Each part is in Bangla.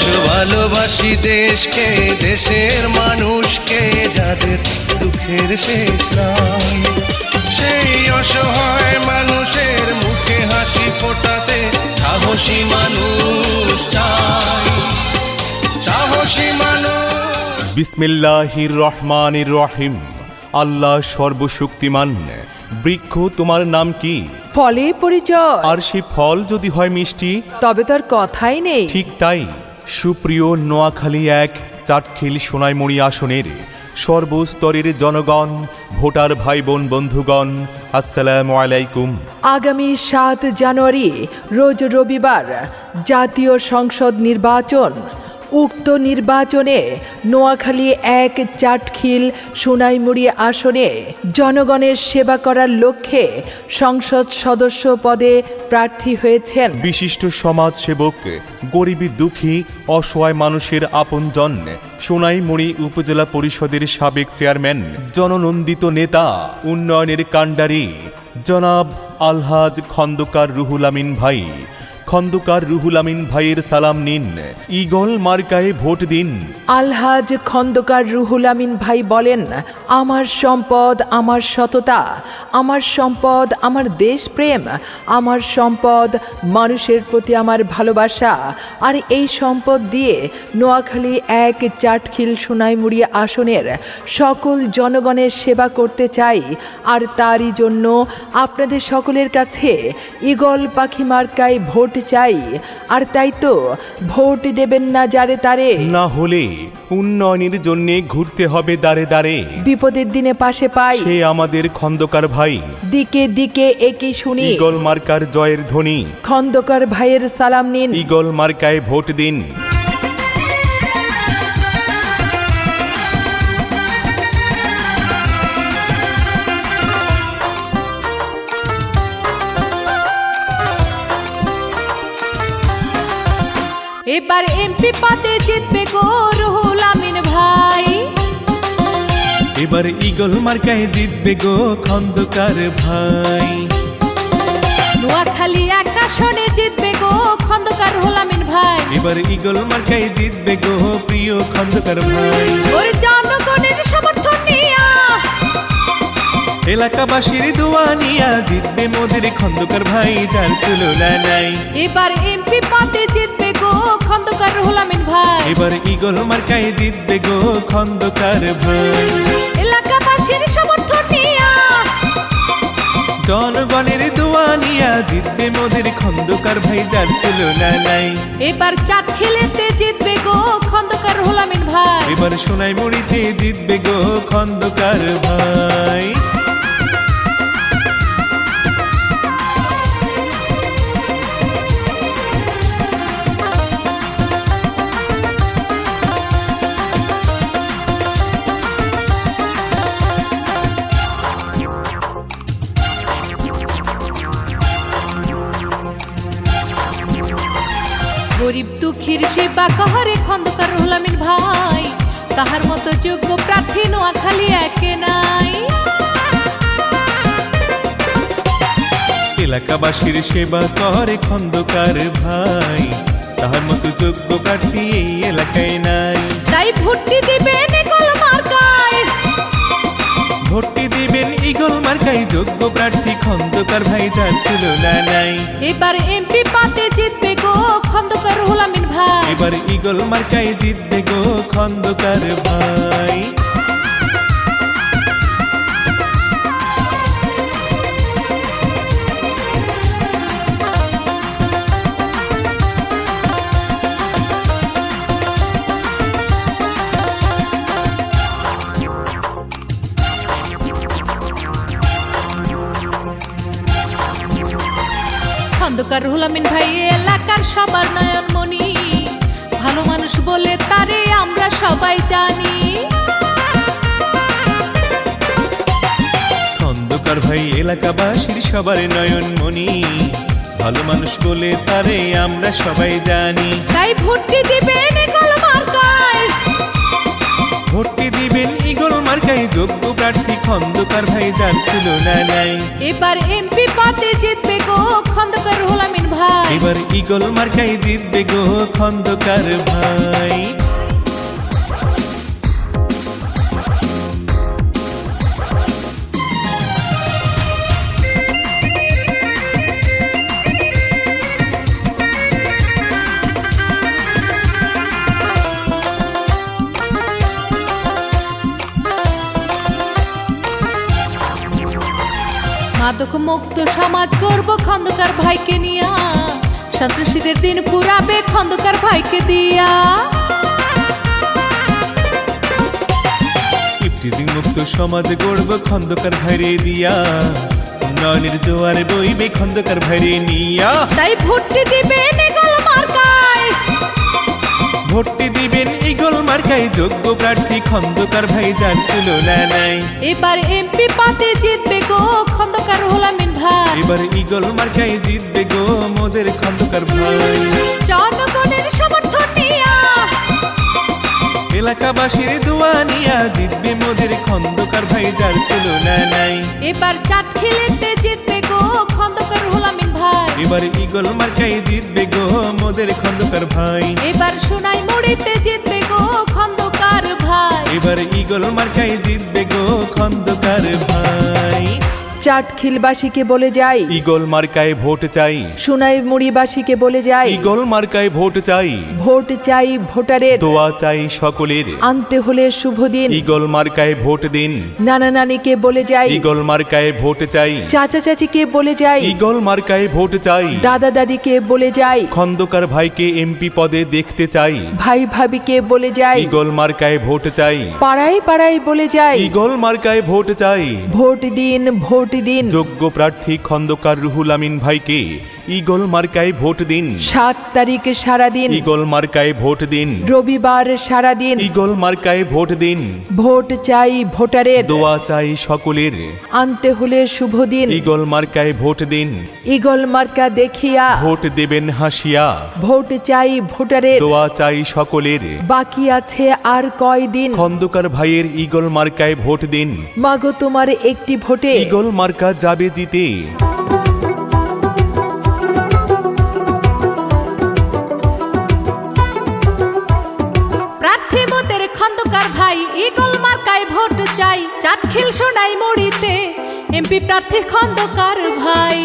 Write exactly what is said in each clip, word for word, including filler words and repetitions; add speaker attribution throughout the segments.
Speaker 1: ভালোবাসি দেশকে, দেশের মানুষকে, যাদের দুঃখের শেষ নাই। সেই অসহায় মানুষের মুখে হাসি ফোটাতে সাহসী মানুষ চাই, সাহসী মানুষ।
Speaker 2: বিসমিল্লাহির রহমানির রহিম। আল্লাহ সর্বশক্তিমান। বৃক্ষ তোমার নাম কি?
Speaker 3: ফলে পরিচয়।
Speaker 2: আর সে ফল যদি হয় মিষ্টি,
Speaker 3: তবে তার কথাই নেই।
Speaker 2: ঠিক তাই। সুপ্রিয় নোয়াখালী এক চাটখিল সোনাইমুড়ি আসনের সর্বস্তরের জনগণ, ভোটার ভাই বোন বন্ধুগণ, আসসালামু আলাইকুম।
Speaker 3: আগামী সাত জানুয়ারি রোজ রবিবার জাতীয় সংসদ নির্বাচন। উক্ত নির্বাচনে নোয়াখালী এক চাটখিল সোনাইমুড়ি আসনে জনগণের সেবা করার লক্ষ্যে সংসদ সদস্য পদে প্রার্থী হয়েছেন
Speaker 2: বিশিষ্ট সমাজ সেবক, গরিবী দুঃখী অসহায় মানুষের আপনজন, সোনাইমুড়ি উপজেলা পরিষদের সাবেক চেয়ারম্যান, জননন্দিত নেতা, উন্নয়নের কাণ্ডারি জনাব আলহাজ খন্দকার রুহুল আমিন ভাই। খন্দকার রুহুল আমিন ভাইয়ের সালাম নিন, ঈগল মার্কায় ভোট দিন।
Speaker 3: আলহাজ খন্দকার রুহুল আমিন ভাই বলেন, আমার সম্পদ আমার সততা, আমার সম্পদ আমার দেশপ্রেম, আমার সম্পদ মানুষের প্রতি আমার ভালোবাসা। আর এই সম্পদ দিয়ে নোয়াখালী এক চাটখিল সোনাইমুড়ি আসনের সকল জনগণের সেবা করতে চাই। আর তারই জন্য আপনাদের সকলের কাছে ঈগল পাখি মার্কায় ভোট চাই। আর তাই তো ভোট দেবেন না যারে তারে,
Speaker 2: না হলে উন্নয়নের জন্য ঘুরতে হবে দাঁড়ে দাঁড়ে।
Speaker 3: বিপদের দিনে পাশে পাই
Speaker 2: সে আমাদের খন্দকার ভাই।
Speaker 3: দিকে দিকে একই শুনি,
Speaker 2: ঈগল মার্কার জয়ের ধ্বনি।
Speaker 3: খন্দকার ভাইয়ের সালাম নিন,
Speaker 2: ঈগল মার্কায় ভোট দিন।
Speaker 4: এবার এমপি পদে জিতবে গো রুহুল আমিন ভাই।
Speaker 2: এবার ঈগল মার্কায় জিতবে গো খন্দকার ভাই।
Speaker 4: নোয়াখালী এক আসনে জিতবে গো খন্দকার রুহুল আমিন ভাই।
Speaker 2: এবার ঈগল মার্কায় জিতবে গো প্রিয় খন্দকার ভাই।
Speaker 4: ওর জনগণের সমর্থন নিয়া,
Speaker 2: এলাকাবাসীর দোয়া নিয়া জিতবে মোদের খন্দকার ভাই, যার তুলনা নাই।
Speaker 4: এবার এমপি পদে জিতবে গো খন্দকার রুহুল আমিন ভাই।
Speaker 2: এবার ঈগল মার্কায় জিতবে গো খন্দকার ভাই।
Speaker 4: এলাকাবাসীর সমর্থন নিয়া,
Speaker 2: জনগণের দোয়া নিয়া জিতবে মোদের খন্দকার ভাই, যার তুলনা নাই।
Speaker 4: এবার চাটখিলেতে জিতবে গো খন্দকার রুহুল আমিন ভাই।
Speaker 2: এবার সোনাইমুড়িতে জিতবে গো খন্দকার ভাই।
Speaker 4: গরিব দুঃখীর সেবা কহরে খন্দকার রুহুল আমিন ভাই। তাহার মতো যোগ্য প্রার্থী নোয়াখালী একে নাই।
Speaker 2: এলাকাবাসীর সেবা করে খন্দকার ভাই, তাহার মতো যোগ্য প্রার্থী এই এলাকায় নাই।
Speaker 4: তাই ভোটটি দিবেন ঈগল মার্কায়,
Speaker 2: ভোটটি দিবেন ঈগল মার্কায়, যোগ্য প্রার্থী খন্দকার ভাই, যার তুলনা নাই।
Speaker 4: এবার এমপি পদে জিতবে গো খন্দকার রুহুল আমিন ভাই।
Speaker 2: এবার ঈগল মার্কায় জিতবে গো খন্দকার ভাই।
Speaker 4: খন্দকার রুহুল আমিন ভাই এলাকার সবার নয়নমণি, ভালো মানুষ বলে তারে আমরা সবাই জানি।
Speaker 2: খন্দকার ভাই এলাকাবাসীর সবার নয়নমণি, ভালো মানুষ বলে তারে আমরা সবাই জানি।
Speaker 4: তাই ভোটটি দিবেন ঈগল মার্কায়,
Speaker 2: ভোটটি দিবেন ঈগল মার্কায়, যোগ্য প্রার্থী খন্দকার ভাই, যার তুলনা নাই।
Speaker 4: এবার এমপি পদে জিতবে গো খন্দকার রুহুল আমিন ভাই।
Speaker 2: এবার ঈগল মার্কাই জিতবে গো খন্দকার ভাই।
Speaker 4: মাদক মুক্ত সমাজ করব খন্দকার ভাইকে নিয়া, সন্ত্রাসীদের দিন পুরাবে খন্দকার ভাইকে দিয়া।
Speaker 2: ইফটিজিং মুক্ত সমাজ গড়ব খন্দকার ভাইরে দিয়া, উন্নয়নের জোয়ারে বইবে খন্দকার ভাইরে নিয়া।
Speaker 4: তাই ভোটটি দিবেন ঈগল মার্কায়,
Speaker 2: ভোটটি দিবেন ঈগল মার্কায়, যোগ্য প্রার্থী খন্দকার ভাই যার তুলনা নাই।
Speaker 4: এবার এমপি পাতে জিতবে গো খন্দকার রুহুল আমিন ভাই,
Speaker 2: এবার ঈগল মার্কায় জিতবে গো মোদের খন্দকার ভাই।
Speaker 4: জনগণের সমর্থন নিয়া,
Speaker 2: এলাকাবাসীর দোয়া নিয়া জিতবে মোদের খন্দকার ভাই যার তুলনা নাই।
Speaker 4: এবার চাট খেলেতে জিতবে গো খন্দকার রুহুল আমিন ভাই,
Speaker 2: এবার ঈগল মার্কায় জিতবে গো মোদের খন্দকার ভাই।
Speaker 4: এবার সোনাই মুড়িতে জিতবে গো খন্দকার ভাই,
Speaker 2: এবার ঈগল মার্কায় জিতবে গো খন্দকার ভাই।
Speaker 3: চাটখিলবাসীকে বলে যাই,
Speaker 2: ঈগল মার্কায় ভোট চাই।
Speaker 3: সোনাই মুড়িবাসীকে বলে যাই,
Speaker 2: ঈগল মার্কায় ভোট চাই।
Speaker 3: ভোট চাই ভোটারের,
Speaker 2: দোয়া চাই সকলের।
Speaker 3: আনতে হলে শুভ দিন।
Speaker 2: ঈগল মার্কায় ভোট দিন।
Speaker 3: নানা নানিকে বলে যাই,
Speaker 2: ঈগল মার্কায় ভোট চাই।
Speaker 3: চাচা চাচিকে বলে যাই,
Speaker 2: ঈগল মার্কায় ভোট চাই।
Speaker 3: দাদা দাদিকে বলে যাই,
Speaker 2: খন্দকার ভাইকে এমপি পদে দেখতে চাই।
Speaker 3: ভাই ভাবিকে বলে যাই,
Speaker 2: ঈগল মার্কায় ভোট চাই।
Speaker 3: পাড়ায় পাড়ায় বলে যাই,
Speaker 2: ঈগল মার্কায় ভোট চাই।
Speaker 3: ভোট দিন ভোট দিন।
Speaker 2: যোগ্য প্রার্থী খন্দকার রুহুল আমিন ভাইকে ঈগল মার্কায় ভোট দিন।
Speaker 3: সাত তারিখ সারাদিন,
Speaker 2: ঈগল মার্কায় ভোট দিন।
Speaker 3: রবিবার সারাদিন,
Speaker 2: ঈগল মার্কায় ভোট দিন।
Speaker 3: ভোট চাই ভোটারের,
Speaker 2: দোয়া চাই সকলের।
Speaker 3: আনতে হলে শুভ দিন।
Speaker 2: ঈগল মার্কায় ভোট দিন।
Speaker 3: ঈগল মার্কা দেখিয়া
Speaker 2: ভোট দেবেন হাসিয়া।
Speaker 3: ভোট চাই ভোটারের,
Speaker 2: দোয়া চাই সকলের।
Speaker 3: বাকি আছে আর কয়দিন।
Speaker 2: খন্দকার ভাইয়ের ঈগল মার্কায় ভোট দিন।
Speaker 3: মাগো তোমার একটি ভোটে
Speaker 2: ঈগল মার্কা যাবে জিতে।
Speaker 4: প্রার্থী মোদের খন্দকার ভাই, ঈগল মার্কায় ভোট চাই। চাটখিল সোনাই মুড়িতে এমপি প্রার্থী খন্দকার ভাই।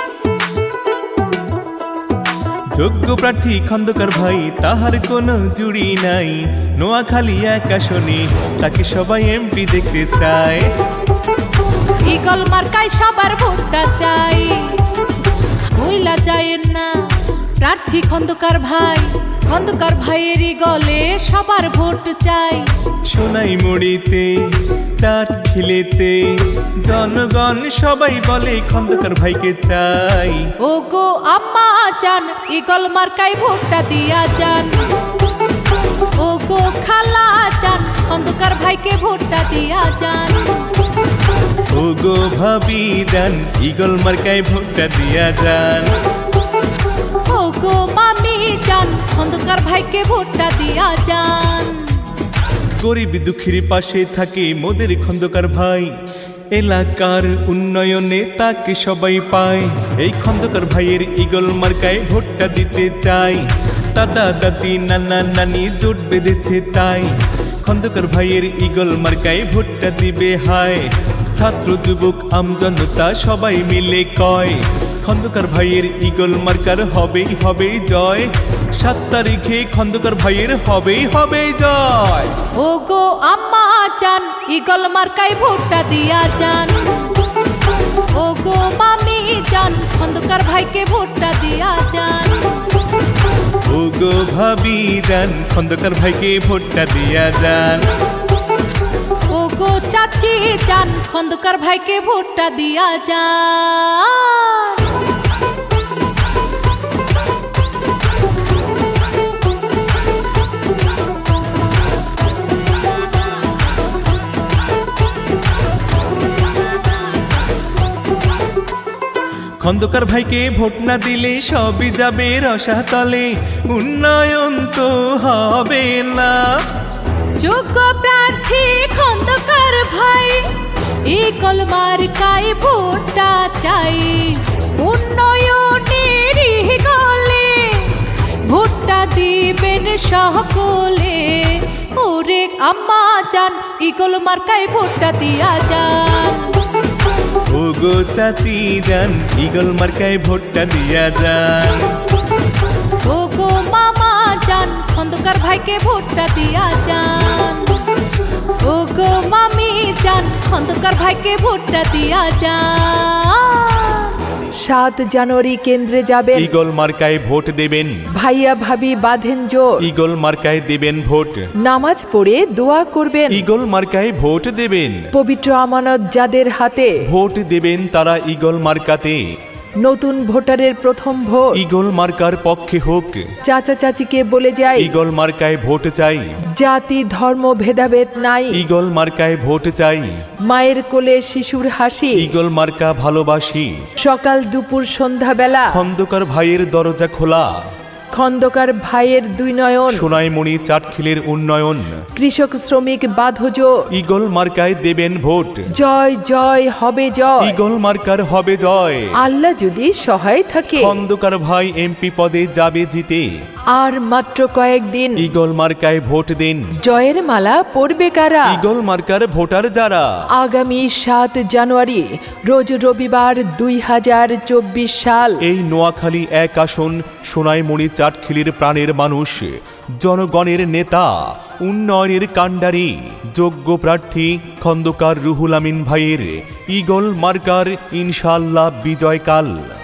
Speaker 2: যোগ্য প্রার্থী খন্দকার ভাই, তাহার কোনো জুড়ি নাই। নোয়াখালী এক আসনে তাকে সবাই এমপি দেখতে চায়।
Speaker 4: ঈগল মার্কায় সবার ভোটটা চাই, ভুইলা যায়েন না প্রার্থী খন্দকার ভাই। খন্দকার ভাইয়ের ঈগলে সবার ভোট চাই।
Speaker 2: সোনাই মুড়িতে চাট খিলেতে জনগণ সবাই বলে খন্দকার ভাইকে চাই।
Speaker 4: ও গো আম্মা চান, ঈগল মার্কায় ভোটটা দিয়া যান। ও গো খালা চান, খন্দকার ভাইকে ভোটটা দিয়া যান।
Speaker 2: ও গো ভাবি যান, ঈগল মার্কায় ভোটটা দিয়া যান।
Speaker 4: ও গো মামি চান, খন্দকার ভাইকে ভোটটা দিয়া যান।
Speaker 2: গরিব দুঃখীর পাশে থাকে মোদের খন্দকার ভাই। এলাকার উন্নয়নে তাকে সবাই পায়। এই খন্দকার ভাইয়ের ঈগল মার্কায় ভোটটা দিতে চাই। দাদা দাদি নানা নানি জোট বেঁধেছে তাই। খন্দকার ভাইয়ের ঈগল মার্কায় ভোটটা দিবে হায়। ছাত্র যুবক আমজনতা সবাই মিলে কয়, খন্দকার ভাইয়ের ঈগল মার্কার হবেই হবেই জয়। সাত তারিখে খন্দকার ভাইয়ের হবেই হবেই জয়।
Speaker 4: ও গো আম্মা চান, ঈগল মার্কায় ভোটটা দিয়া যান। ও গো মামি চান, খন্দকার ভাইকে ভোটটা দিয়া যান।
Speaker 2: ও গো ভাবি যান, খন্দকার ভাইকে ভোটটা দিয়া যান।
Speaker 4: ও গো চাচি চান, খন্দকার ভাইকে ভোটটা দিয়া যান।
Speaker 2: খন্দকার ভাইকে ভোট না দিলে সবই যাবে রসাতলে। উন্নয়ন তো হবে না।
Speaker 4: যোগ্য প্রার্থী খন্দকার ভাই, ঈগল মার্কায় ভোটটা চাই। উন্নয়নের গলে দিবেন সকলে, ওরে আম্মা জান ইগল মার্কায় ভোটটা দিয়া যান।
Speaker 2: ওগো চাচি যান ইগল মার্কায় ভোটটা দিয়া যান।
Speaker 4: ও গো মামা জান খন্দকার ভাইকে ভোটটা দিয়া যান। ও গো মামি জান খন্দকার ভাইকে ভোটটা দিয়া যান।
Speaker 3: সাত জানুয়ারি কেন্দ্রে যাবেন,
Speaker 2: ইগল মার্কায় ভোট দেবেন।
Speaker 3: ভাইয়া ভাবি বাঁধেন জোর,
Speaker 2: ইগল মার্কায় দেবেন ভোট।
Speaker 3: নামাজ পড়ে দোয়া করবেন,
Speaker 2: ইগল মার্কায় ভোট দেবেন।
Speaker 3: পবিত্র আমানত যাদের হাতে,
Speaker 2: ভোট দেবেন তারা ইগল মার্কাতে।
Speaker 3: নতুন ভোটারের প্রথম ভোট,
Speaker 2: ইগল মার্কার পক্ষে হোক।
Speaker 3: চাচা চাচিকে বলে যাই,
Speaker 2: ইগল মার্কায় ভোট চাই।
Speaker 3: জাতি ধর্ম ভেদাভেদ নাই,
Speaker 2: ইগল মার্কায় ভোট চাই।
Speaker 3: মায়ের কোলে শিশুর হাসি,
Speaker 2: ইগল মার্কা ভালোবাসি।
Speaker 3: সকাল দুপুর সন্ধ্যাবেলা,
Speaker 2: খন্দকার ভাইয়ের দরজা খোলা।
Speaker 3: খন্দকার ভাইয়ের দুই নয়ন,
Speaker 2: সোনাইমণি চাটখিলের উন্নয়ন।
Speaker 3: কৃষক শ্রমিক বাঁধজ,
Speaker 2: ইগল মার্কায় দেবেন ভোট।
Speaker 3: জয় জয় হবে জয়,
Speaker 2: ইগল মার্কার হবে জয়।
Speaker 3: আল্লাহ যদি সহায় থাকে,
Speaker 2: খন্দকার ভাই এমপি পদে যাবে জিতে।
Speaker 3: আর মাত্র কয়েকদিন,
Speaker 2: ইগল মার্কায় ভোট দিন।
Speaker 3: জয়ের মালা পরবে কারা?
Speaker 2: ইগল মার্কার ভোটার যারা।
Speaker 3: আগামী সাত জানুয়ারি রোজ রবিবার দুই হাজার চব্বিশ সাল,
Speaker 2: এই নোয়াখালী এক আসন সোনাইমণি চাটখিলির প্রাণের মানুষ, জনগণের নেতা, উন্নয়নের কাণ্ডারি, যোগ্য প্রার্থী খন্দকার রুহুল আমিন ভাইয়ের ইগল মার্কার ইনশাআল্লাহ বিজয়কাল।